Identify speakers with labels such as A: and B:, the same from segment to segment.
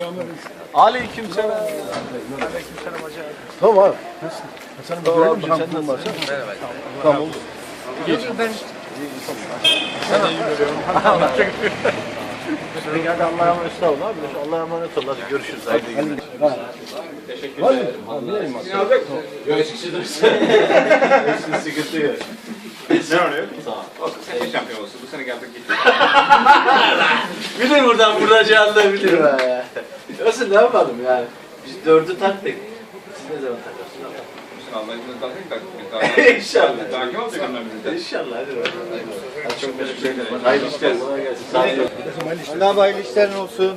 A: Aleykümselam.
B: Aleykümselam hacı abi.
C: Tamam abi. Hasan'ım
A: Tamam,
C: görelim mi?
A: sen
C: Tam varsa.
A: Merhaba.
C: Tamam oldu.
B: Ben
A: Sen iyi görüyorum.
C: Hadi Allah'a emanet olun abi. Allah'a emanet olun. Hadi görüşürüz. Haydi günler.
A: Teşekkür
C: Var
A: ederim.
C: mı? Abi bileyim aslında.
A: Yok eskisi sıkıntı yok.
D: Ne oluyor? Sağ ol. Olsun, sen de şampiyon olsun. Bu sene geldik gittik.
A: Bilir buradan vuracağını bilir. Nasıl ne yapalım yani? Biz dördü taktık. Siz ne zaman takarsınız?
D: Sen Allah'ın izniyle takayım.
A: İnşallah.
D: Takip olacak onlar bizden.
A: İnşallah. Hadi bakalım. Hadi çok teşekkür ederim. Hayırlı işler. Kolay gelsin. Sağ olun.
C: Allah hayırlı işlerin olsun.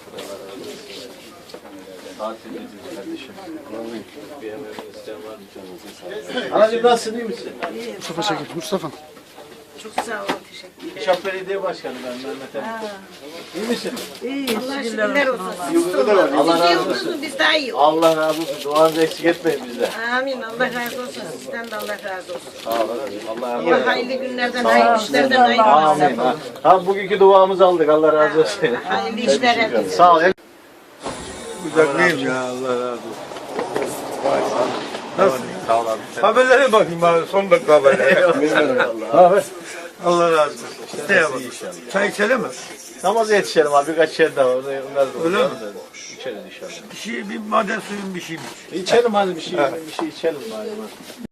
A: Tatildeyiz kardeşim. Bir yemeğe isteyen var mı canınızın sağ olun. Anacığım nasılsın, iyi misin?
C: Mustafa Şakir. Mustafa.
E: Çok sağ ol, teşekkür ederim.
A: Şap Belediye Başkanı ben Mehmet Ali. İyi misin?
E: İyi, Allah şükürler olsun.
A: Allah
E: Siz iyi
A: razı olsun.
E: olursunuz, biz daha iyi oluruz.
A: Allah razı olsun. Duanızı eksik etmeyin bizden.
E: Amin, Allah razı olsun. Sizden de Allah razı olsun.
A: Sağ olun. Allah razı
E: Allah
A: olsun.
E: hayırlı günlerden, hayırlı işlerden, hayırlı
A: Amin. Ha, bugünkü duamızı aldık. Allah razı olsun.
E: hayırlı işler herkese.
A: Sağ ol.
C: Uzaklıyım ya. Allah razı olsun. Nasıl?
A: Sağ ol abi.
C: Haberlere bakayım abi. Son dakika haberlere. Abi. Allah razı olsun. Ne yapalım? Çay içelim mi?
A: Namaza yetişelim abi. Birkaç yer daha var. Onlar da
C: Öyle mi?
A: İçeriz inşallah.
C: Bir maden suyun bir şey mi?
A: İçelim hadi bir şey içelim bari.